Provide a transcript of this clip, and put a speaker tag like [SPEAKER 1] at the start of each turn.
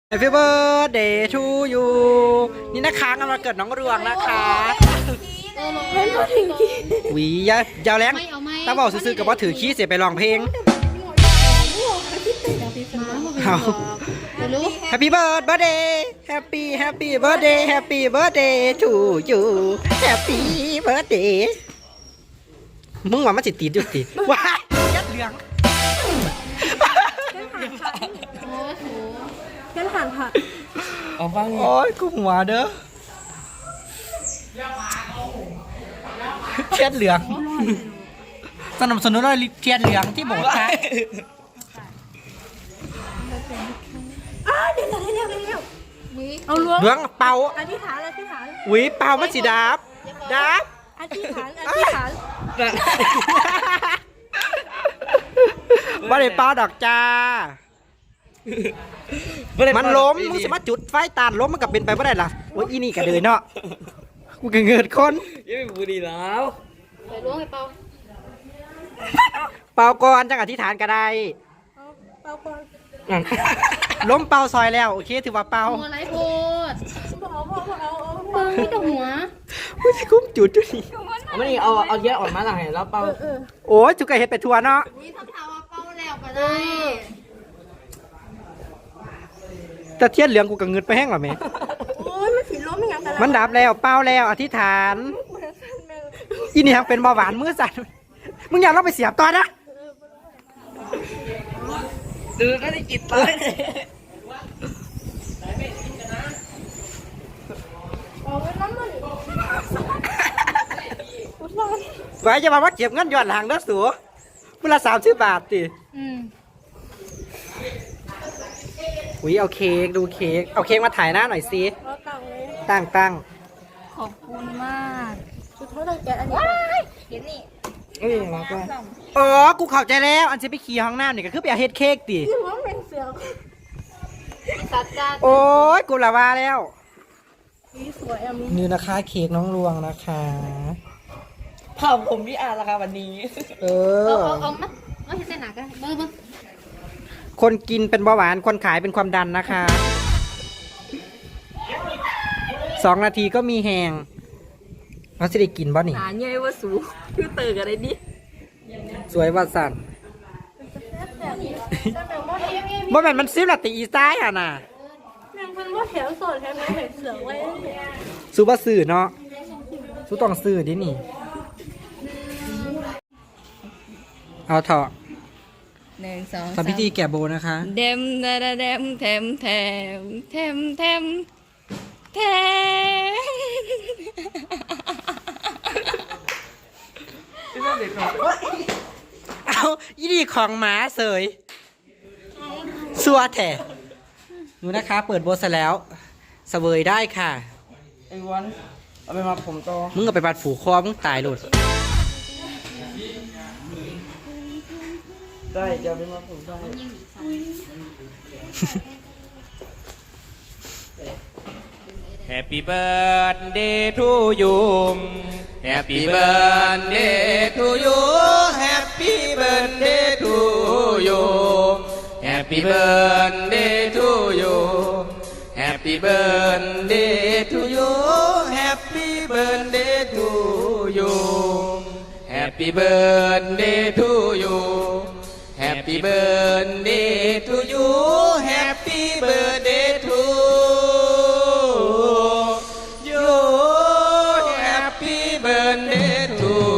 [SPEAKER 1] Happy birthday to you นี่นะคะกำลังเกิดน้องเรืองนะคะหวียาวแรงตาบอกซื้อๆกับว่าถือขี้เสียไปร้องเพลงเอา Happy birthday Happy birthday to you Happy birthday มึงว่ามันสิติดอยู่ติว้ายยัดเหลือง
[SPEAKER 2] แค่ผ่านผัก
[SPEAKER 1] เอาฟังโอ้ยกูหัวเด้อเทียนเหลืองสนับสนุนด้วยเทียนเหลืองที่โบสถ์ค่ะ
[SPEAKER 2] เดี๋ยวเอาล้วง
[SPEAKER 1] เหลืองเป่า
[SPEAKER 2] อธิษฐาน
[SPEAKER 1] หวีเป่ามันสิดับ
[SPEAKER 2] อธิษฐาน
[SPEAKER 1] ว่าได้เป่าดอกจ้ามันล้มมึงสามารถจุดไฟตานล้มมันกับเป็นไปไม่ได้ล่ะโอ้ยอีนี่กระเดินเนาะกูเงินคน
[SPEAKER 3] ยังไม่บูดีแล้ว
[SPEAKER 2] ไปล้วงไป
[SPEAKER 1] เป่าก่อนจังอธิษฐานก็ได้
[SPEAKER 2] เป่าก่อน
[SPEAKER 1] ล้มเป่าซอยแล้วโอเคถือว่าเป่า
[SPEAKER 2] หัวไรโพดเอาไม่ต้องหัว
[SPEAKER 1] กูจะคุ้มจุดนี่
[SPEAKER 3] ไม่ได้เอาเยอะออกมาหลังเห็นแล้วเป่า
[SPEAKER 1] โอ้ยจุกไก่เห็ดไปทัวเนาะ
[SPEAKER 2] นี่ทำท่าว่าเป่าแล้วก็ได้
[SPEAKER 1] แต่เทียนเหลืองกูกับเงินไปแห้งหรอแม่
[SPEAKER 2] โอ้ยมันสีล้มยังกัน
[SPEAKER 1] มันดับแล้วเป่าแล้วอธิษฐานอีนี่ยังเป็นเบาหวานมือสั่นมึงอยากเราไปเสียบตอนนะ
[SPEAKER 3] ดูก็ได้กินเลย
[SPEAKER 1] ไว้จะมาว่าเก็บเงินหย่อนหลังเด้อสูเวลา30 บาทติอุ้ยเอาเค้กดูเค้กเอาเค้กมาถ่ายหน้าหน่อยสิตั้ง
[SPEAKER 2] ขอบคุณมากชุดเท่าไหร่แกอันนี้เดี๋ยวนี่
[SPEAKER 1] รักว่าอ๋อกูเข้าใจแล้วอันจะไปขี่ห้องน้ำนี่ก็คือไปเอาเฮ็ดเค้กติ
[SPEAKER 2] ที่ว่าเป็นเสือสัตว์การ
[SPEAKER 1] โอ้ยกูละว่าแล้ว
[SPEAKER 2] นี่สวยอ่ะ
[SPEAKER 1] นี่นะคะเค้กน้องลวงนะคะ
[SPEAKER 3] เผาผมพี่อาร์ละค่ะวันนี้
[SPEAKER 2] เอามาเอาเห็นหนักกันเบิ้ง
[SPEAKER 1] คนกินเป็นเบาหวานคนขายเป็นความดันนะคะ2 นาทีก็มีแหงเราจะได้กินบ่นี่
[SPEAKER 3] หาเงยว่าสูคือเตออะไรดิ
[SPEAKER 1] สวยว่าสั่นบ่แม่นมันซิบละติอีซ้ายอ่ะน่ะ
[SPEAKER 2] ยังเป็นว่าแถวสดแถวนี้เห็นเสือไว้
[SPEAKER 1] ซูบ่ซื้อเนาะซูต้องซื้อดินี่เอาเถอะ
[SPEAKER 3] 1 2 3
[SPEAKER 1] ทำพิธีแก่โบนะคะ
[SPEAKER 3] เดมแถม
[SPEAKER 1] เอาอีดีของหมาเสยสัวแท้หนูนะคะเปิดโบสแล้วเสวยได้ค่ะ
[SPEAKER 3] ไอ้วันเอาไปมาผมโต
[SPEAKER 1] มึงก็ไปบัดฝูคอมึงตายหลุด
[SPEAKER 3] ได้จะไปมาผมได้
[SPEAKER 4] Happy birthday to you Happy birthday to you Happy birthday to you Happy birthday to you Happy birthday to you Happy birthday to you Happy birthday to you Happy birthday to you Happy birthday to you Happy birthday to